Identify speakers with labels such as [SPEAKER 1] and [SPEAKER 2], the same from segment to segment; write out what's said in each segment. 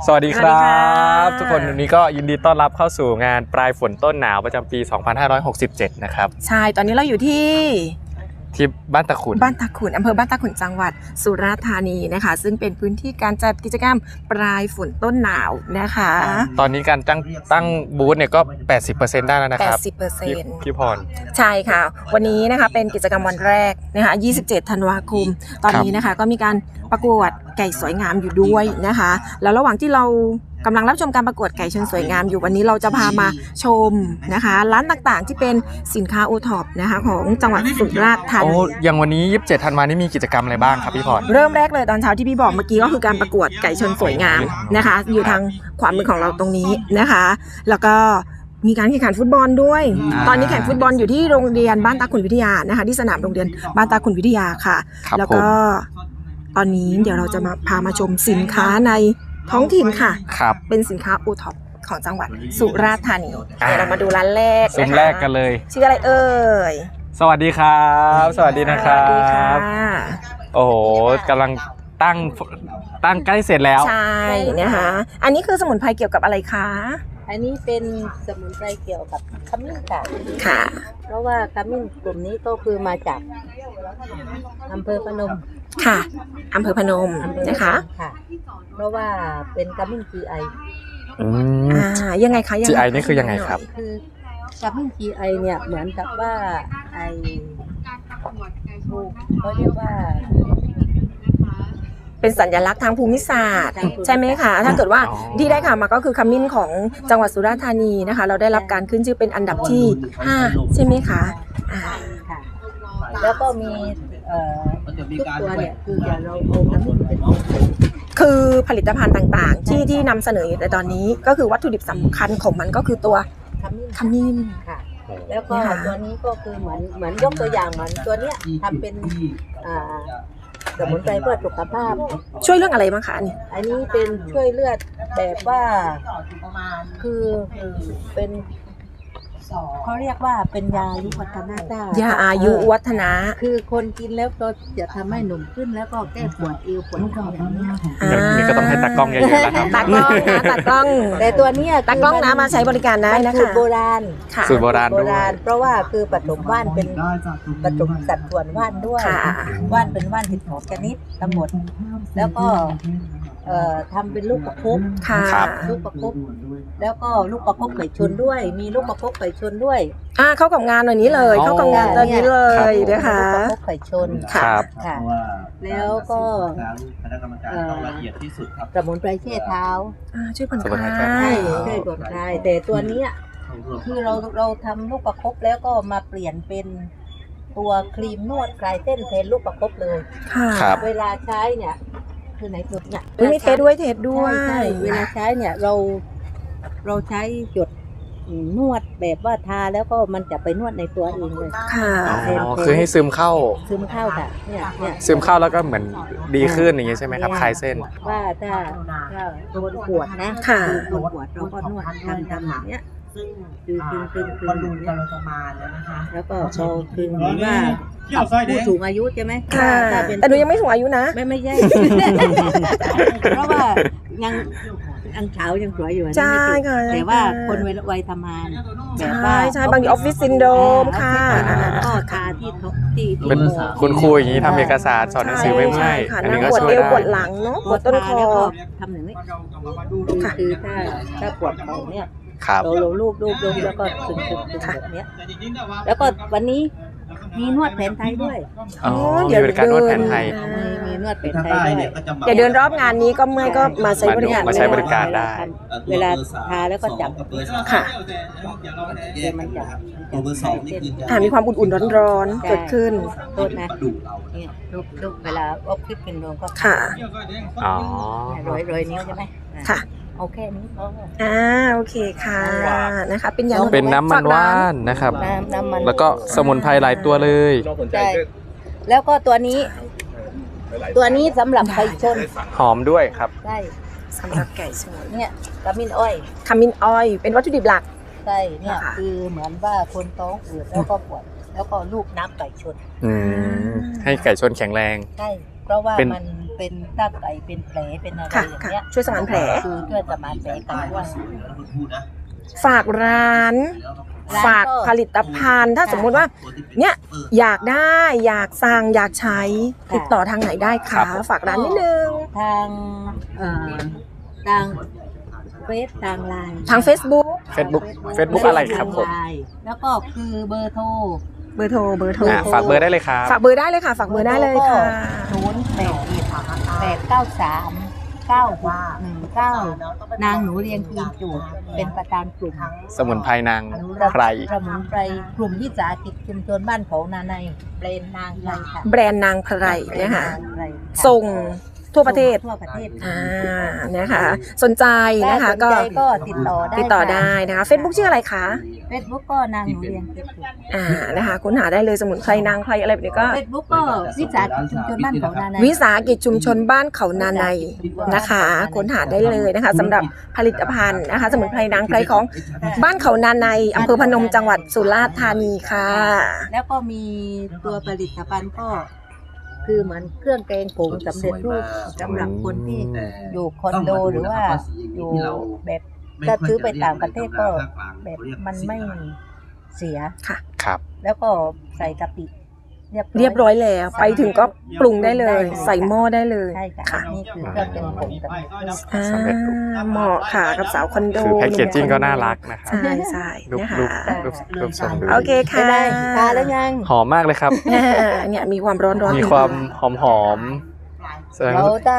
[SPEAKER 1] สวัสดีครับทุกคนวันนี้ก็ยินดีต้อนรับเข้าสู่งานปลายฝนต้นหนาวประจำปี 2567 นะครับ
[SPEAKER 2] ใช่ตอนนี้เราอยู่ที่
[SPEAKER 1] บ้านตะขุน
[SPEAKER 2] อำเภอบ้านตะขุนจังหวัดสุราษฎร์ธานีนะคะซึ่งเป็นพื้นที่การจัดกิจกรรมปลายฝนต้นหนาวนะคะ
[SPEAKER 1] ตอนนี้การตั้งบูธเนี่ยก็ 80% ได้แล้วนะครับ
[SPEAKER 2] 80%
[SPEAKER 1] พี่พร
[SPEAKER 2] ใช่ค่ะวันนี้นะคะเป็นกิจกรรมวันแรกนะคะ27 ธันวาคมตอนนี้นะคะก็มีการประกวดไก่สวยงามอยู่ด้วยนะคะแล้วระหว่างที่เรากำลังรับชมการประกวดไก่ชนสวยงามอยู่วันนี้เราจะพามาชมนะคะร้านต่างๆที่เป็นสินค้าโอท็อปนะคะของจังหวัดสุราษฎร์ธานี
[SPEAKER 1] อย่างวันนี้27 ธันวาคมนี้มีกิจกรรมอะไรบ้างครับพี่พร
[SPEAKER 2] เริ่มแรกเลยตอนเช้าที่พี่บอกเมื่อกี้ก็คือการประกวดไก่ชนสวยงามนะคะอยู่ทางขวามือของเราตรงนี้นะคะแล้วก็มีการแข่งขันฟุตบอลด้วยตอนนี้แข่งฟุตบอลอยู่ที่โรงเรียนบ้านตาขุนวิทยานะคะที่สนามโรงเรียนบ้านตาขุนวิทยาค่ะแล้วก็ตอนนี้เดี๋ยวเราจะพามาชมสินค้าในท้องถิ่นค่ะเป็นสินค้าโอท็อปของจังหวัดสุราษฎร์ธานีเรามาดูร้านแรก
[SPEAKER 1] ซุ้มแรกกันเลย
[SPEAKER 2] ชื่ออะไรเอ่ย
[SPEAKER 1] สวัสดีครับสวัสดีนะครับโอ้โหกำลังตั้งใกล้เสร็จแล้ว
[SPEAKER 2] ใช่นะคะอันนี้คือสมุนไพรเกี่ยวกับอะไรคะ
[SPEAKER 3] อันนี้เป็นสมุนไพรเกี่ยวกับขมิ้น
[SPEAKER 2] ค่ะ
[SPEAKER 3] เพราะว่าขมิ้นกลุ่มนี้ก็คือมาจากอำเภอพนม
[SPEAKER 2] ค่ะอำเภอพนมนะคะ
[SPEAKER 3] ค่ะเพราะว่าเป็นขมิ้น GI
[SPEAKER 2] ยังไงคะ
[SPEAKER 1] GI นี่คือยังไงครับ
[SPEAKER 3] คือขมิ้น GI เนี่ยเหมือนกับว่าเขาเรียกว่า
[SPEAKER 2] เป็นสัญลักษณ์ทางภูมิศาสตร์ใช่ไหมคะถ้าเกิดว่าที่ได้ข่าวมาก็คือขมิ้นของจังหวัดสุราษฎร์ธานีนะคะเราได้รับการขึ้นชื่อเป็นอันดับที่5ใช่ไหมคะ
[SPEAKER 3] ค่ะแล้วก็มีทุกตัวเนี่ยคืออย่างเราเอาขมิ้นเป็น
[SPEAKER 2] คือผลิตภัณฑ์ต่างๆที่นำเสนอในตอนนี้ก็คือวัตถุดิบสำคัญของมันก็คือตัวขมิ้น
[SPEAKER 3] ค่ะแล้วก็ตัวนี้ก็คือเหมือนยกตัวอย่างเหมือนตัวเนี้ยทำเป็นสมุนไพรเพื่อสุขภาพ
[SPEAKER 2] ช่วยเรื่องอะไรบ้างคะ
[SPEAKER 3] อันนี้เป็นช่วยเลือดแบบว่าคือเป็นเขาเรียกว่าเป็นยาอายุวัฒนะ
[SPEAKER 2] ยาอายุวัฒนะ
[SPEAKER 3] คือคนกินแล้วก็จะทำให้หนุ่มขึ้นแล้วก็แก้ปวดเอวปวดคอแบบนี้
[SPEAKER 1] นี่ก็ต้องให้ตากล้องเยอะๆแล้วครับ
[SPEAKER 2] ตากล้องนะตากล้อง
[SPEAKER 3] แต่ตัวนี้
[SPEAKER 2] ตากล้องนะมาใช้บริการได้นะคะ
[SPEAKER 3] สูตรโบราณ
[SPEAKER 1] สูตรโบราณ
[SPEAKER 3] เพราะว่าคือผสมว่านเป็นผสมสัดส่วนว่านด้วยว่านเป็นว่าน12 ชนิดทั้งหมดแล้วก็ทำเป็นลูกประคบลูกประคบแล้วก็ลูกประคบไก่ชนด้วยมีลูกประคบไก่ชนด้วย
[SPEAKER 2] เข้ากับงานหน่อยนี้เลยเข้ากับงานตอนนี้เลยนะคะ
[SPEAKER 3] ลูกประคบไก่ชน
[SPEAKER 1] ค่ะ
[SPEAKER 3] แล้วก็สมุนไพรเช็ดเท้า
[SPEAKER 2] ช่วยผ่อนคลาย
[SPEAKER 3] ช่วยผ่อนคลายแต่ตัวนี้คือเราทำลูกประคบแล้วก็มาเปลี่ยนเป็นตัวครีมนวดคลายเส้นแทนลูกประคบเลยเวลาใช้เนี่ยคือไหนตัวเนี่ย
[SPEAKER 2] มีเทสด้วย
[SPEAKER 3] เวลาใช้เนี่ยเราใช้หยดนวดแบบว่าทาแล้วก็มันจะไปนวดในตัวเองเลย
[SPEAKER 2] ค่ะ
[SPEAKER 1] คือให้ซึมเข้า
[SPEAKER 3] ค่ะเนี่ย
[SPEAKER 1] ซึมเข้าแล้วก็เหมือนดีขึ้นอย่างนี้ใช่ไหมครับคลายเส้น
[SPEAKER 3] ว่าถ้าคนปวดนะคนปวดเราก็นวดทำอย่างเนี้ยคือ
[SPEAKER 4] คนดูกำลังจะมาแล้วนะคะ
[SPEAKER 3] แล้วก็พอคือเหมือนว่าผู้สูงอายุใช่ไหม
[SPEAKER 2] แต่หนูยังไม่สูงอายุนะ
[SPEAKER 3] ไม่ใช่เพราะว่ายังเช้ายังสวยอยู่
[SPEAKER 2] ใช่ค่ะ
[SPEAKER 3] แต่ว่าคนวัยทำงานแบบว่า
[SPEAKER 2] ใช่บางทีออฟฟิศซินโดรมค่ะ
[SPEAKER 3] ก็ทาที่
[SPEAKER 1] เป็นคุณครูอย่างนี้ทำเอกสารสอนหนังสือไม่เมื่อย
[SPEAKER 2] อันนี้ก็ช่วยได้ปวดหลังเนาะปวดต้นคอ
[SPEAKER 3] ทำอย่างนี้คือถ้าปวดเขาเนี่ย
[SPEAKER 1] เรา
[SPEAKER 3] ลูบแล้วก็ตึงแบบนี้แล้วก็วันนี้มีนวดแผนไทยด้วย
[SPEAKER 1] เดี๋ยวการนวดแผนไทย
[SPEAKER 3] มีนวดแผนไทยด้วย
[SPEAKER 2] เดี๋ยวเดินรอบงานนี้ก็เมื่อยก็มาใช้บริ
[SPEAKER 1] การได้
[SPEAKER 3] เวลาทาแล้วก็จับ
[SPEAKER 2] ค่ะ
[SPEAKER 3] มันจะ
[SPEAKER 2] มีความอุ่นๆร้อนๆเกิดขึ้น
[SPEAKER 3] โทษนะเนี่ยลูกเวลาออฟฟิศเป็นรวมก็
[SPEAKER 2] ค่ะ
[SPEAKER 3] ร้อยนิ้วใช่ไหม
[SPEAKER 2] ค่ะ
[SPEAKER 3] โอเคนี้
[SPEAKER 2] โอเคค่ะนะคะเป็นยา
[SPEAKER 1] เป็นน้ำมันว่านนะครับแล้วก็สมุนไพรหลายตัวเลย
[SPEAKER 3] ใช่แล้วก็ตัวนี้สำหรับไก่ชน
[SPEAKER 1] หอมด้วยครับ
[SPEAKER 3] ใช่
[SPEAKER 2] สำหรับไก่ชน
[SPEAKER 3] เนี่ยขมิ้นอ้
[SPEAKER 2] อยเป็นวัตถุดิบหลัก
[SPEAKER 3] ใช่เนี่ยคือเหมือนว่าคนท้องอืดแล้วก็ปวดแล้วก็ลูกน้ำไก่ชน
[SPEAKER 1] ให้ไก่ชนแข็งแรง
[SPEAKER 3] ใช่เพราะว่ามันเป็เป็นถ้าไก่เป็นแผลเป็นอะไร
[SPEAKER 2] ค่ะ
[SPEAKER 3] อย่าง
[SPEAKER 2] ค่ะ
[SPEAKER 3] เงี้ย
[SPEAKER 2] ช่วยสมานแผล
[SPEAKER 3] คือช่วยสมานแผลกันด้วย
[SPEAKER 2] ฝากร้าน ฝากผลิตภัณฑ์ถ้าสมมุติว่าเนี่ยอยากได้อยากสั่งอยากใช้ติดต่อทางไหนได้คะฝากร้านนิดนึง
[SPEAKER 3] ทางทางเฟซทางไลน์
[SPEAKER 2] ทาง Facebook
[SPEAKER 1] Facebook อะไรครับผม
[SPEAKER 3] แล้วก็คือเบอร์โทร
[SPEAKER 2] เบอร์โทร
[SPEAKER 1] ฝากเบอร์ได้เลยครับ
[SPEAKER 2] ฝากเบอร์ได้เลยค่ะ ฝากเบอร์ได้เลยค่ะ
[SPEAKER 3] 081-893-9619นางหนูเรียงคืนจูดเป็นประธานกลุ่ม
[SPEAKER 1] สมุนไพรนางไพร
[SPEAKER 3] สมุนไพรกลุ่มวิสาหกิจชุมชนบ้านเขานาในเบรนนางไพรค่ะ
[SPEAKER 2] แบรนด์นางไพรนะคะ
[SPEAKER 3] นางไพรค่ะ
[SPEAKER 2] ส่งทั่วประเทศ
[SPEAKER 3] ทั่วประเทศ
[SPEAKER 2] นะคะสนใจนะคะ
[SPEAKER 3] ก็
[SPEAKER 2] ก็
[SPEAKER 3] ติดต่อได้
[SPEAKER 2] ติดต่อได้นะคะ Facebook ชื่ออะไรคะ
[SPEAKER 3] เฟซบุ๊กก็นางหนูเรียงคืนจูด
[SPEAKER 2] นะคะค้นหาได้เลยสมุนไพรนางไพรอะไรแบบนี้ก็
[SPEAKER 3] เฟซบุ๊กก็วิสาหกิจชุมชนบ้านเขานาใน
[SPEAKER 2] วิสาหกิจชุมชนบ้านเขานาในนะคะค้นหาได้เลยนะคะสำหรับผลิตภัณฑ์นะคะ สมุนไพรนางไพรของบ้านเขานาในอำเภอพนมจังหวัดสุราษฎร์ธานีค่ะ
[SPEAKER 3] แล้วก็มีตัวผลิตภัณฑ์ก็คือเหมือนเครื่องแกงผงสำเร็จรูปสำหรับคนที่อยู่คอนโดหรือว่าอยู่แบบถ้าซื้อไปต่างประเทศก็แบบมันไม่เสีย
[SPEAKER 1] ครับ
[SPEAKER 3] แล้วก็ใส่กะปิ
[SPEAKER 2] เรียบร้อยแล้วไปถึงก็ปรุงได้เลย ใส่หม้อได้เลย
[SPEAKER 3] ใช่ค่ะ
[SPEAKER 2] ค่ะ
[SPEAKER 3] นี่คือเครื่องแกงผงสำเร็จรูป
[SPEAKER 1] สำเร็จรูป
[SPEAKER 2] เหมาะค่ะกับสาวคอนโด
[SPEAKER 1] คือแพ็กเกจจิ้งก็น่ารักนะครับ
[SPEAKER 2] ใช่
[SPEAKER 1] รูป
[SPEAKER 2] นะคะ
[SPEAKER 1] รูปทรงดู
[SPEAKER 2] โอเคค่ะ
[SPEAKER 3] ไม่ได้ทานแล้วยัง
[SPEAKER 1] หอมมากเลยครับ
[SPEAKER 2] เนี่ยมีความร้อน
[SPEAKER 1] มีความหอมแสดง
[SPEAKER 3] แล้ว
[SPEAKER 1] ว่า
[SPEAKER 3] ถ้า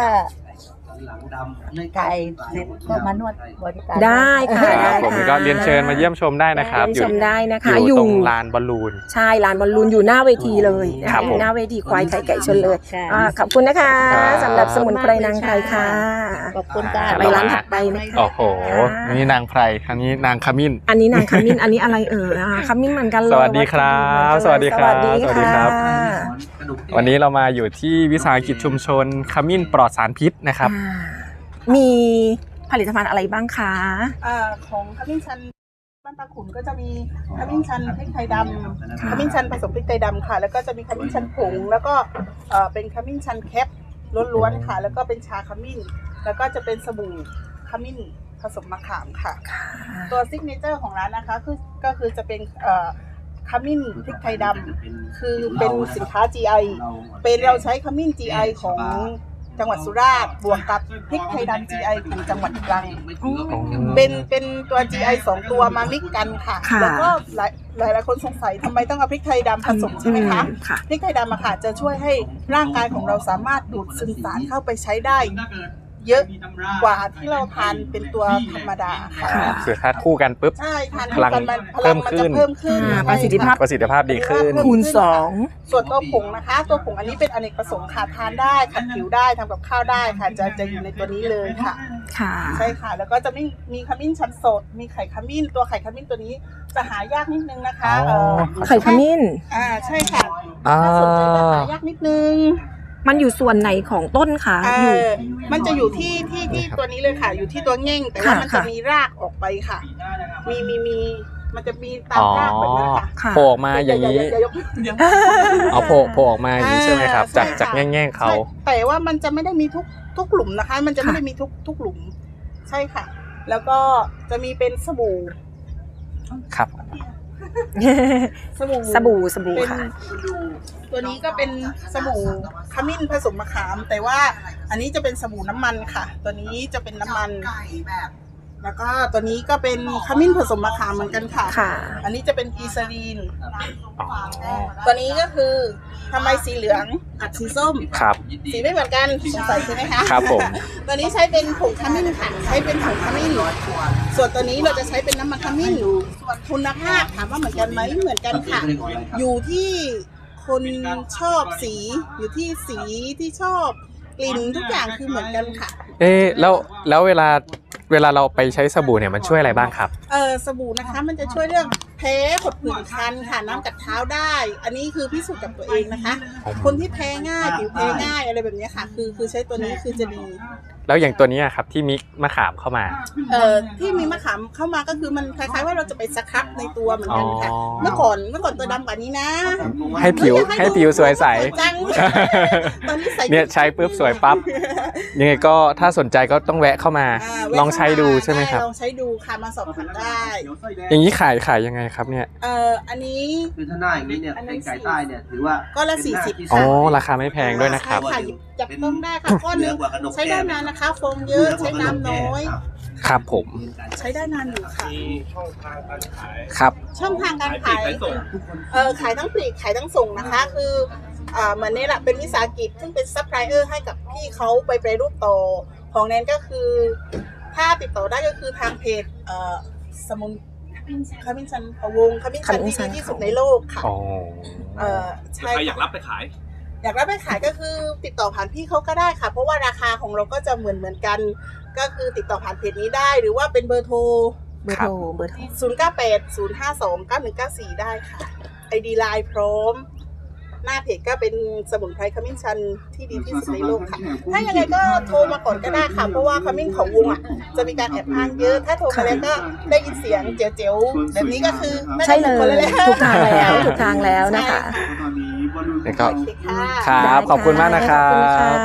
[SPEAKER 3] ถ่ายเสร็จก็มานวดบริการ
[SPEAKER 2] ได้ค่ะ
[SPEAKER 1] ค
[SPEAKER 2] ได้
[SPEAKER 1] รับผม
[SPEAKER 2] ค่ะ
[SPEAKER 1] ก็เรียนเชิญมาเยี่ยมชมได้นะครับ
[SPEAKER 2] เยี่ยมชมได้นะคะ
[SPEAKER 1] อยู่ตรงลานบอลลูน
[SPEAKER 2] ใช่ลานบอลลูนอยู่หน้าเวทีเลยนะ
[SPEAKER 1] ครั
[SPEAKER 2] คะ
[SPEAKER 1] บ
[SPEAKER 2] อยู่หน้าเวทีควายไข่ไก่ชนเลย
[SPEAKER 3] ค่ะ
[SPEAKER 2] ขอบคุณนะคะ
[SPEAKER 1] ครับ
[SPEAKER 2] สำหรับสมุนไพรนางไพรค่ะ
[SPEAKER 3] ขอบคุณค่ะ
[SPEAKER 2] ไปร้านถัดไปนะคะ
[SPEAKER 1] โอ้โหนี่นางไพรอันนี้นางขมิ้น
[SPEAKER 2] อันนี้นางขมิ้นอันนี้อะไรขมิ้นเหมือนกันเลย
[SPEAKER 1] สวัสดีครับ
[SPEAKER 2] สวัสดีครับ
[SPEAKER 1] สวัสดีครับ วันนี้เรามาอยู่ที่วิสาหกิจชุมชนขมิ้นปลอดสารพิษนะครับ
[SPEAKER 2] มีผลิตภัณฑ์อะไรบ้างคะ
[SPEAKER 4] ของขมิ้นชันบ้านตาขุนก็จะมีขมิ้นชันพริกไทยดำขมิ้นชันผสมพริกไทยดำค่ะ แล้วก็จะมีขมิ้นชันผงแล้วก็เป็นขมิ้นชันแคปล้วนๆค่ะ แล้วก็เป็นชาขมิ้น แล้วก็จะเป็นสบู่ขมิ้นผสมมะขามค่ะ ตัวซิกเนเจอร์ของร้านนะคะก็คือจะเป็นขมิ้นพริกไทยดำคือเป็นสินค้า GI เป็นเราใช้ขมิ้น GI ของจังหวัดสุราษฎร์บวกกับพริกไทยดำ GI ของจังหวัดตรังเป็นตัว GI 2 ตัวมามิกกันค่ะ แล้วก็หลายคนสงสัยทำไมต้องเอาพริกไทยดำผสมใช่ไหมคะพริกไทยดำอะค่ะจะช่วยให้ร่างกายของเราสามารถดูดซึมสารเข้าไปใช้ได้ เยอะกว่าที่เราทานเป็นตัวธรรมดาค่ะ
[SPEAKER 1] คือถ้าคู่กันปุ๊บ
[SPEAKER 4] ใช่ทาน
[SPEAKER 1] พลัง
[SPEAKER 4] มัน
[SPEAKER 1] เพิ่มขึ้น
[SPEAKER 4] เพิ่มขึ้น
[SPEAKER 2] ประสิทธิภาพ
[SPEAKER 1] ประสิทธิภาพดีขึ้น
[SPEAKER 2] คูณ
[SPEAKER 4] ส่วนตัวผงนะคะ ตัวผงอันนี้เป็นอเนกประสงค์ค่ะทานได้ขัดผิวได้ทำกับข้าวได้ค่ะจะอยู่ในตัวนี้เลยค่ะ
[SPEAKER 2] ค่ะ
[SPEAKER 4] ใช่ค่ะ แล้วก็จะมีขมิ้นชันสด มีไข่ขมิ้นตัวไข่ขมิ้นตัวนี้จะหายากนิดนึงนะคะ
[SPEAKER 1] อ๋อ
[SPEAKER 2] ไข่ขมิ้น
[SPEAKER 4] ใช่ค่ะ
[SPEAKER 1] อ่า
[SPEAKER 4] ถ้าสนใจจะหายากนิดนึง
[SPEAKER 2] มันอยู่ส่วนไหนของต้นคะอยู่
[SPEAKER 4] มันจะอยู่ที่ตัวนี้เลยค่ะ อยู่ที่ตัวเง่งแต่ว่ามันจะมีรากออกไปค่ะ มีมันจะมีตามรากแบบนั้นค่ะ
[SPEAKER 2] ค่ะ
[SPEAKER 1] โผล่ออกมาอย่างนี้
[SPEAKER 4] อย่ายกเดี๋ยว
[SPEAKER 1] เอาโผล่ออกมาอย่างนี้ใช่ไหมครับ
[SPEAKER 4] ใช่
[SPEAKER 1] จาก
[SPEAKER 4] ค่ะ
[SPEAKER 1] แง่งๆเขา
[SPEAKER 4] ใช่แต่ว่ามันจะไม่ได้มีทุกหลุมนะคะ มันจะไม่ได้มีทุกหลุม ใช่ค่ะ แล้วก็จะมีเป็นสบู่
[SPEAKER 1] ครับ
[SPEAKER 4] สบู่
[SPEAKER 2] สบู่ค่ะ
[SPEAKER 4] ตัวนี้ก็เป็นสบู่ขมิ้นผสมมะขาม แต่ว่าอันนี้จะเป็นสบู่น้ำมันค่ะ ตัวนี้จะเป็นน้ำมันแล้วก็ตัวนี้ก็เป็นขมิ้นผสมมะขามเหมือนกันค่ะ
[SPEAKER 2] ค่ะ
[SPEAKER 4] อันนี้จะเป็นอีซาลีนตัวนี้ก็คือทำไมสีเหลืองกับสีส้ม
[SPEAKER 1] ครับ
[SPEAKER 4] สีไม่เหมือนกันสงสัยใช่ไหมคะ
[SPEAKER 1] ครับผม
[SPEAKER 4] ตัวนี้ใช้เป็นผงขมิ้นค่ะใช้เป็นผงขมิ้นส่วนตัวนี้เราจะใช้เป็นน้ำมันขมิ้นส่วนคุณภาพถามว่าเหมือนกันไหมเหมือนกันค่ะ อยู่ที่คนชอบสีอยู่ที่สีที่ชอบกลิ่นทุกอย่างคือเหมือนกันค่ะ
[SPEAKER 1] แล้วเวลาเราไปใช้สบู่เนี่ยมันช่วยอะไรบ้างครับ
[SPEAKER 4] สบู่นะคะมันจะช่วยเรื่องแผพ้ผดผื่นคันค่ะน้ำกัดเท้าได้ อันนี้คือพิสูจน์กับตัวเองนะคะ คนที่แพ้ง่ายผิวแพ้ง่ายอะไรแบบนี้ค่ะ คือใช้ตัวนี้คือจะดี
[SPEAKER 1] แล้วอย่างตัวนี้ครับที่มิกมะขามเข้ามา
[SPEAKER 4] ที่มีมะขามเข้ามาก็คือมันคล้ายๆว่าเราจะไปสครับในตัวเหมือนกันค่ะ
[SPEAKER 1] อ๋อ
[SPEAKER 4] เมื่อก่อนตัวดำกว่านี้นะ
[SPEAKER 1] ให้ผิวสวยใส
[SPEAKER 4] จังตอนนี้ใส
[SPEAKER 1] เนี่ยใช้ปุ๊บสวยปั๊บ ยังไงก็ถ้าสนใจก็ต้องแวะเข้ามา ลองใช้ดูใช่ไหมครับ
[SPEAKER 4] ลองใช้ดูค่ะมาสอบถามได้
[SPEAKER 1] อย่างนี้ขายยังไงครับเนี่ย
[SPEAKER 4] อันนี้
[SPEAKER 5] คือถ้าหน้าอย่างนี้เนี่ยเป็นไก่ใต้เนี่ยถือว่า
[SPEAKER 4] ก็ละ
[SPEAKER 5] เป็นหน้าที่
[SPEAKER 4] 40
[SPEAKER 1] อ๋อ
[SPEAKER 4] ค่ะ
[SPEAKER 1] ราคาไม่แพงด้วยนะครับ
[SPEAKER 4] ใช่ค่ะหยิบจับต้องได้ค่ะก้อนนึงใช้ได้นานนะคะโฟมเยอะใช้น้ำน้อย
[SPEAKER 1] ครับผม
[SPEAKER 4] ใช้ได้นานอยู่ค่ะ
[SPEAKER 1] ครับ
[SPEAKER 4] ช่องทางการขายขายทั้งปลีกขายทั้งส่งนะคะ คือเหมือนนี่แหละเป็นวิสาหกิจซึ่งเป็นซัพพลายเออร์ให้กับพี่เขาไปแปรรูปต่อของแนนก็คือถ้าติดต่อได้ก็คือทางเพจสมุนขมิ้นชันพะวงขมิ้นชันที่ดีที่สุดในโลกค่ะ
[SPEAKER 1] อ๋อ
[SPEAKER 4] ใช่
[SPEAKER 6] ใครอยากรับไปขาย
[SPEAKER 4] อยากรับไปขายก็คือติดต่อผ่านพี่เขาก็ได้ค่ะ เพราะว่าราคาของเราก็จะเหมือนกัน ก็คือติดต่อผ่านเพจนี้ได้หรือว่าเป็นเบอร์โทร
[SPEAKER 2] เบอร์โทร
[SPEAKER 4] 0980529194 ได้ค่ะ ID ไลน์พร้อม หน้าเพจก็เป็นสมุนไพรขมิ้นชันที่ดีที่สุดในโลกค่ะ ถ้ายังไงก็โทรมาก่อนก็ได้ค่ะ เพราะว่าขมิ้นของวงจะมีการแอบอ้างเยอะ ถ้าโทรมาแล้วก็ได้ยินเสียงเจ๋วๆแบบนี้ก็คือไม่
[SPEAKER 2] ใช่
[SPEAKER 4] ได้
[SPEAKER 2] เล
[SPEAKER 4] คน
[SPEAKER 2] ย
[SPEAKER 4] แหละ
[SPEAKER 2] ถูกทางแล้วถูกทางแล้วนะคะ
[SPEAKER 1] แล้วก็
[SPEAKER 4] โอเคค่ะ
[SPEAKER 1] ครับขอบคุณมากนะครั
[SPEAKER 2] ขอบคุณค่ะ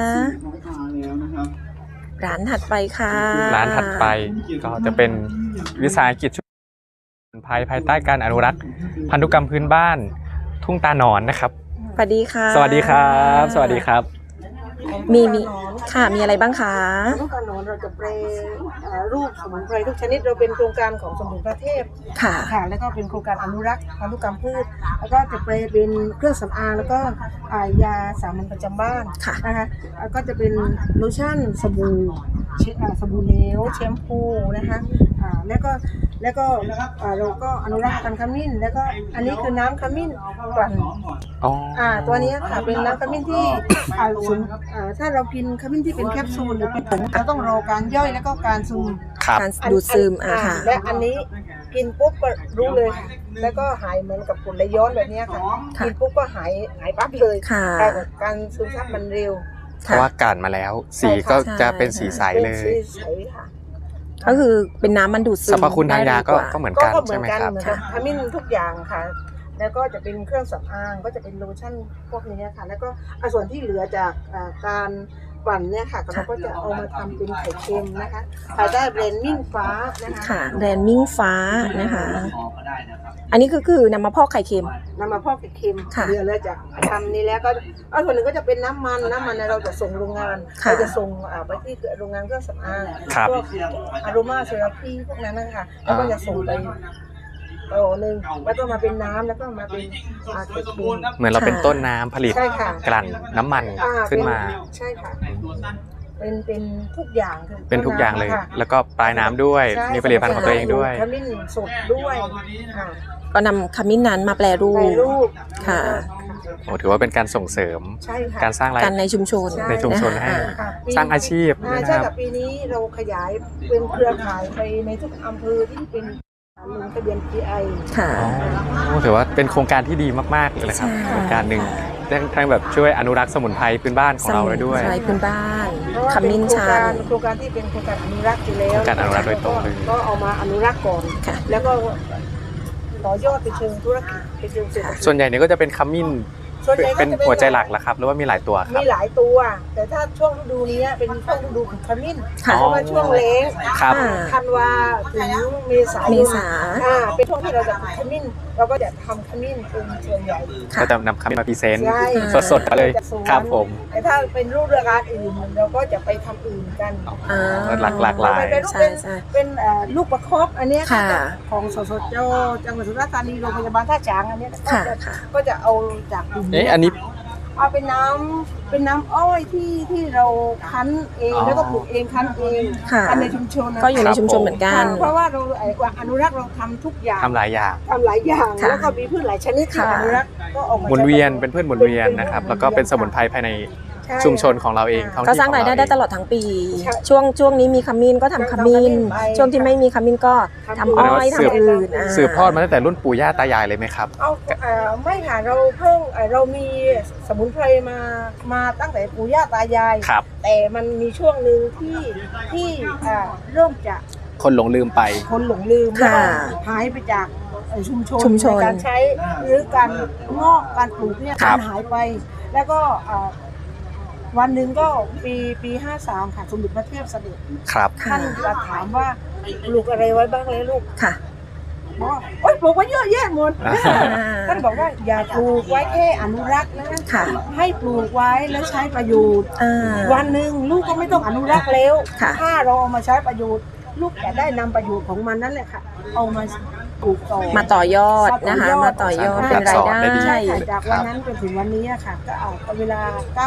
[SPEAKER 1] บ
[SPEAKER 2] ร้านถัดไปค่ะ
[SPEAKER 1] ร้านถัดไปก็จะเป็นวิสาหกิจชุมชนภายใต้การอนุรักษ์พันธุกรรมพื้นบ้านทุ่งตาหนอนนะครับ
[SPEAKER 2] สวัสดีค่ะ
[SPEAKER 1] สวัสดีครับ สวัสดีครับ
[SPEAKER 2] มีค่ะมีอะไรบ้างคะ
[SPEAKER 3] ลูกกระหนอนเราจะแปรรูปสมุนไพรทุกชนิดเราเป็นโครงการของสมเด็จพระเทพ
[SPEAKER 2] ค่ะ
[SPEAKER 3] ค่ะแล้วก็เป็นโครงการอนุรักษ์พันธุกรรมพืช แล้วก็จะแปลเป็นเครื่องสำอางแล้วก็ยาสามัญประจำบ้าน
[SPEAKER 2] ค่ะ
[SPEAKER 3] นะคะแล้วก็จะเป็นโลชั่นสบู่สบู่เหลวแชมพูนะคะแล้วก็เราก็อนุรักษ์พันธุ์ขมิ้น แล้วก็อันนี้คือน้ำขมิ้นกลั่น
[SPEAKER 1] อ๋อ
[SPEAKER 3] ตัวนี้ค่ะเป็นน้ำขมิ้นที่ถ้าเรากินขมิ้นที่เป็นแคปซูลหรือเป็นผงเราต้องรอการย่อยแล้วก็การซึม
[SPEAKER 1] ครับ
[SPEAKER 2] การดูดซึมค่ะ
[SPEAKER 3] และอันนี้กินปุ๊บก็รู้เลยค่ะแล้วก็หายเหมือนกับฝุ่นไหลย้อนแบบนี้ค่ะ
[SPEAKER 2] ค่ะ
[SPEAKER 3] กินปุ๊บก็หายปั๊บเลย
[SPEAKER 2] ค่ะ
[SPEAKER 3] การซึมซับมันเร็ว
[SPEAKER 1] เพราะว่าการมาแล้ว สีก็จะเป็นสีใสเล
[SPEAKER 3] เป็น
[SPEAKER 1] ย
[SPEAKER 3] สีใสค่ะ
[SPEAKER 2] ก็คือเป็นน้ำมันดูดซึ
[SPEAKER 1] สร
[SPEAKER 2] ม
[SPEAKER 1] รพคุณทางยาก็
[SPEAKER 2] ได้ดีว่
[SPEAKER 1] เหมือน
[SPEAKER 3] ก็
[SPEAKER 1] กัน
[SPEAKER 3] เหมื
[SPEAKER 1] ใช่
[SPEAKER 3] อน
[SPEAKER 1] ไหม
[SPEAKER 3] กัน
[SPEAKER 1] ครับ
[SPEAKER 3] เหมือนกับขมิ้นทุกอย่างค่ะ แล้วก็จะเป็นเครื่องสำอางก็จะเป็นโลชั่นพวกนี้ค่ะ แล้วก็ส่วนที่เหลือจากการปั่นเนี่ยค่ะเราก็จะเอามาทำเป็นไข่เค็มนะคะภายใต้แบรนด์มิ่งฟ้านะคะ
[SPEAKER 2] ค่ะแบรนด์มิ่งฟ้านะคะ
[SPEAKER 5] พอก็ได้นะครับ
[SPEAKER 2] อันนี้คือนำมาพอกไข่เค็ม
[SPEAKER 3] นำมาพอกไข่เค็ม
[SPEAKER 2] ค่ะ
[SPEAKER 3] เหลือแล้วจากทำนี้แล้วก็ส่วนหนึ่งก็จะเป็นน้ำมันเนี่ยเราจะส่งโรงงาน
[SPEAKER 2] ค่ะ
[SPEAKER 3] เราจะส่งไปที่โรงงานเครื่องสำอาง
[SPEAKER 1] ครับ
[SPEAKER 3] พวกอโรมาเซราพีพวกนั้นนะคะแล้วก็จะส่งไปโอ้หนึ่งแล้วก็มาเป็นน้ำแล้วก็มาเป็นไข่เค็ม
[SPEAKER 1] เหมือนเราเป็นต้นน้ำผลิต
[SPEAKER 3] ใช่ค่ะ
[SPEAKER 1] กลั่นน้ำมันขึ้นมา
[SPEAKER 3] ใช่ค่ะเป็นทุกอย่างคือ
[SPEAKER 1] เป็นทุกอย่างเลย
[SPEAKER 3] ค่ะ
[SPEAKER 1] แล้วก็ปลายน้ำด้วย
[SPEAKER 3] ใช่
[SPEAKER 1] มีผลิตภัณฑ์ของตัวเองด้วย
[SPEAKER 3] ขมิ้นสดด้วยค่ะ
[SPEAKER 2] ก็นำขมิ้นนั้นมาแปรรู
[SPEAKER 3] ใน
[SPEAKER 2] ป
[SPEAKER 3] รูป
[SPEAKER 2] ค่ะ
[SPEAKER 1] โอ้ถือว่าเป็นการส่งเสริม
[SPEAKER 3] ใช่ค่ะ
[SPEAKER 1] การสร้างราย
[SPEAKER 2] กันในชุมชน
[SPEAKER 1] ในชุมชนให้
[SPEAKER 2] นะคะ
[SPEAKER 3] ค่ะ
[SPEAKER 1] สร้างอาชีพ
[SPEAKER 3] ใช่
[SPEAKER 1] นะค
[SPEAKER 3] กั
[SPEAKER 1] รั
[SPEAKER 3] บบ ปีนี้เราขยายเป็นเครือข่ายไปในทุกอำเภอที่เป็นลงทะเบียน GI
[SPEAKER 2] ค่ะ
[SPEAKER 1] อ๋อถือว่าเป็นโครงการที่ดีมากๆเลยนะครับ
[SPEAKER 2] ใช่
[SPEAKER 1] โครงการหนึ่งทั้งแบบช่วยอนุรักษ์สมุนไพรพื้นบ้านของเราได้ด้วย
[SPEAKER 2] สมุนไพรพื้นบ้าน
[SPEAKER 3] เพราะว่า
[SPEAKER 2] ขมิ้นชัน
[SPEAKER 3] โครงการที่เป็นโครงการอนุรักษ์อยู่แล้ว
[SPEAKER 1] โครงการอนุรักษ์โดยตรงเลย
[SPEAKER 3] ก็เอามาอนุรักษ์ก่อน
[SPEAKER 2] ค่ะ
[SPEAKER 3] แล้วก็ต่อยอดไปเชิงธุรกิจไปเชิงเศรษฐกิจ
[SPEAKER 1] ส่วนใหญ่เนี่ยก็จะเป็นขมิ้น
[SPEAKER 3] ส่วนใหญ่ก็
[SPEAKER 1] เป็น
[SPEAKER 3] จะ
[SPEAKER 1] หัวใจหลักแล้วครับหรือว่ามีหลายตัวครั
[SPEAKER 3] มี
[SPEAKER 1] บ
[SPEAKER 3] หลายตัว แต่ถ้าช่วงฤดูนี้เป็นช่วงฤดูของขมิ้น
[SPEAKER 2] ค่ะ
[SPEAKER 3] เพราะว่าช่วงเล้ง
[SPEAKER 1] ครับ
[SPEAKER 2] อ่า
[SPEAKER 3] ธันวาถึงเมษายน
[SPEAKER 2] เมษา
[SPEAKER 3] เป็นช่วงที่เราจะปลูกขมิ้น เราก็จะทำขมิ้นเป็นส่วนใหญ่
[SPEAKER 2] ค่ะ
[SPEAKER 1] ก็จะนำขมิ้นมาพรีเซนต์
[SPEAKER 3] ใช่
[SPEAKER 1] สดๆมาเลย
[SPEAKER 3] จากสวน
[SPEAKER 1] ครับผม
[SPEAKER 3] แต่ถ้าเป็นรูปราคาอื่นเราก็จะไปทำอื่นกัน
[SPEAKER 2] อ่า
[SPEAKER 1] หลากหลาย
[SPEAKER 3] เป็นรูป
[SPEAKER 2] ใช่ใช่
[SPEAKER 3] เป็นลูกประคบอันเนี้ย
[SPEAKER 2] ค่ะ
[SPEAKER 3] ของสสจจังหวัดสุราษฎร์ธานีโรงพยาบาลท่าฉางอันเนี้ย
[SPEAKER 2] ค่ะค่ะ
[SPEAKER 3] ก็จะเอาจากกลุ่ม
[SPEAKER 1] เอ๊ะอันนี้
[SPEAKER 3] เอาเป็นน้ำอ้อยที่เราคั้นเอง
[SPEAKER 1] อ๋อ
[SPEAKER 3] แล้วก็ปลูกเองคั้นเอง
[SPEAKER 2] ค่ะ
[SPEAKER 3] คั้นในชุมชนนะ
[SPEAKER 2] ก็อยู่ในชุมชนเหมือนกัน
[SPEAKER 3] เพราะว่าเราอนุรักษ์เราทำทุกอย่าง
[SPEAKER 1] ทำหลายอย่าง
[SPEAKER 3] ทำหลายอย่าง
[SPEAKER 2] ค่ะ
[SPEAKER 3] แล้วก็มีพืชหลายชนิดที่
[SPEAKER 2] ค่ะ
[SPEAKER 3] อนุรักษ์ก็ออกมา
[SPEAKER 1] หมุนเวียนเป็นพืชหมุนเวียนนะครับ แล้วก็เป็นสมุนไพรภายใน
[SPEAKER 2] ใช่
[SPEAKER 1] ชุมชนของเราเองท้อง
[SPEAKER 2] ก็
[SPEAKER 1] ที่
[SPEAKER 2] สร้าง
[SPEAKER 1] ของ
[SPEAKER 2] รายได้
[SPEAKER 1] เอ
[SPEAKER 2] ได้
[SPEAKER 1] ง
[SPEAKER 2] ตลอดทั้งปี
[SPEAKER 4] ใช่
[SPEAKER 2] ช่วงนี้มีขมิ้นก็ทำขมิ้น
[SPEAKER 4] ไป
[SPEAKER 2] ช่วงที่ไม่มีขมิ้นก็ทำอ้อย
[SPEAKER 1] สืบ
[SPEAKER 2] ทำอื่น
[SPEAKER 1] สืบทอดมาตั้งแต่รุ่นปู่ย่าตายายเลยไหมครับ
[SPEAKER 4] เอาไม่ค่ะเราเพิ่งเรามีสมุนไพรมาตั้งแต่ปู่ย่าตายาย
[SPEAKER 1] ครับ
[SPEAKER 4] แต่มันมีช่วงหนึ่งที่เริ่มจะ
[SPEAKER 1] คนหลงลืมไป
[SPEAKER 4] คนหลงลืมแล้ว
[SPEAKER 2] ค่ะ
[SPEAKER 4] ก็หายไปจากชุมชน
[SPEAKER 2] ชุมชน
[SPEAKER 4] ในการใช้หรือการงอกการปลูกเนี่ย
[SPEAKER 1] ครั
[SPEAKER 4] กา
[SPEAKER 1] บ
[SPEAKER 4] รหายไป แล้วก็วันหนึ่งก็ปี53ค่ะสมเด็จพระเทพเสด็จ
[SPEAKER 1] ครับ
[SPEAKER 2] ค่ะ
[SPEAKER 4] ท่านจะถามว่าปลูกอะไรไว้บ้างเลยลูก
[SPEAKER 2] ค่ะ
[SPEAKER 4] บอกว่าโอ๊ยปลูกไว้เยอะแยะหมด
[SPEAKER 1] อ่า
[SPEAKER 4] ท่านบอกว่าอย่าปลูกไว้แค่อนุรักษ์นะ
[SPEAKER 2] ค่ะ
[SPEAKER 4] ให้ปลูกไว้แล้วใช้ประโยชน์
[SPEAKER 2] อ่า
[SPEAKER 4] วันหนึ่งลูกก็ไม่ต้องอนุรักษ์แล้ว
[SPEAKER 2] ค่ะ
[SPEAKER 4] ถ้าเราเอามาใช้ประโยชน์ ลูกจะได้นำประโยชน์ของมันนั่นแหละค่ะ เอามาปลูกต่อ
[SPEAKER 2] มาต่อยอดนะคะ มาต่อยอดเป็นรายได้
[SPEAKER 1] ได้ดี
[SPEAKER 4] ใช่ค่ะจากวันนั้นจนถึงวันนี้อะค่ะ ก็เอาเวลา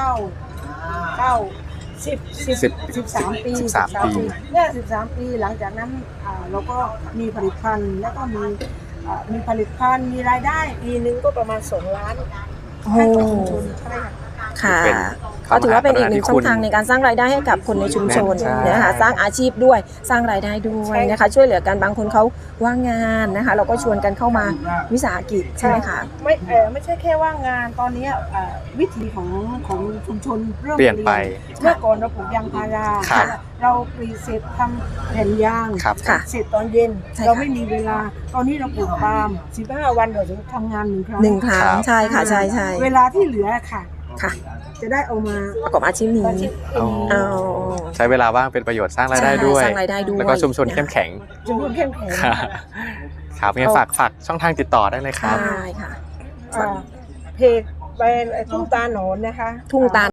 [SPEAKER 4] 13 ปี
[SPEAKER 1] 13 ปี
[SPEAKER 4] เนี่ย13 ปีหลังจากนั้นเราก็มีผลิตภัณฑ์แล้วก็มีผลิตภัณฑ์มีรายได้ปีนึงก็ประมาณ2 ล้าน
[SPEAKER 2] โอ้
[SPEAKER 4] ให้กับชุมชนใช่ค่ะ
[SPEAKER 2] ค่ะ
[SPEAKER 1] เป็น
[SPEAKER 2] ก็ถือว่าเป็นอีกหนึ่ง
[SPEAKER 1] พระมหากรุณาธิคุณ
[SPEAKER 2] ช่องทางในการสร้างรายได้ให้กับคนในชุมชน
[SPEAKER 1] ใช่
[SPEAKER 2] นะคะสร้างอาชีพด้วยสร้างรายได้ด้วยนะคะ ช่วยเหลือกันบางคนเขาว่างงานนะคะ เราก็ชวนกันเข้ามาวิสาหกิจใช่ไหมคะ
[SPEAKER 4] ไม่ใช่แค่ว่างงานตอนนี้วิถีของชุมชนเริ่ม
[SPEAKER 1] เปลี่ยนไป
[SPEAKER 4] เมื่อก่อนเราปลูกยางพารา
[SPEAKER 1] ครับ
[SPEAKER 4] เราปลีเสร็จทำแผ่นยาง
[SPEAKER 1] ครับ
[SPEAKER 2] ค่ะ
[SPEAKER 4] เสร็จตอนเย็น
[SPEAKER 2] ใช่ค่ะ
[SPEAKER 4] เราไม่มีเวลา ตอนนี้เราปลูกปาล์ม15 วันเราจะทำงาน1 ครั้ง
[SPEAKER 2] หนึ่งครั้ง
[SPEAKER 1] ครับ
[SPEAKER 2] ใช่ค่ะใช่ใช่
[SPEAKER 4] เวลาที่เหลือค่ะ
[SPEAKER 2] ค่ะ
[SPEAKER 4] จะได้เอามา
[SPEAKER 2] ประกอบอาชีพนี้
[SPEAKER 4] อาชีพ
[SPEAKER 1] อ๋อ
[SPEAKER 2] เอา
[SPEAKER 1] ใช้เวลาว่างเป็นประโยชน์สร้างรายได้ด้วย
[SPEAKER 2] สร้างรายได้ด้วย
[SPEAKER 1] แล้วก็ชุมชนเข้มแข็ง
[SPEAKER 4] ชุมชนเข้มแข็ง
[SPEAKER 1] ครับครับงั้นฝากช่องทางติดต่อได้เลยครับ
[SPEAKER 2] ใช่ค่ะ
[SPEAKER 4] เพจแบรนด์ทุ่งตาหนอนนะคะ
[SPEAKER 2] ทุ่งตาล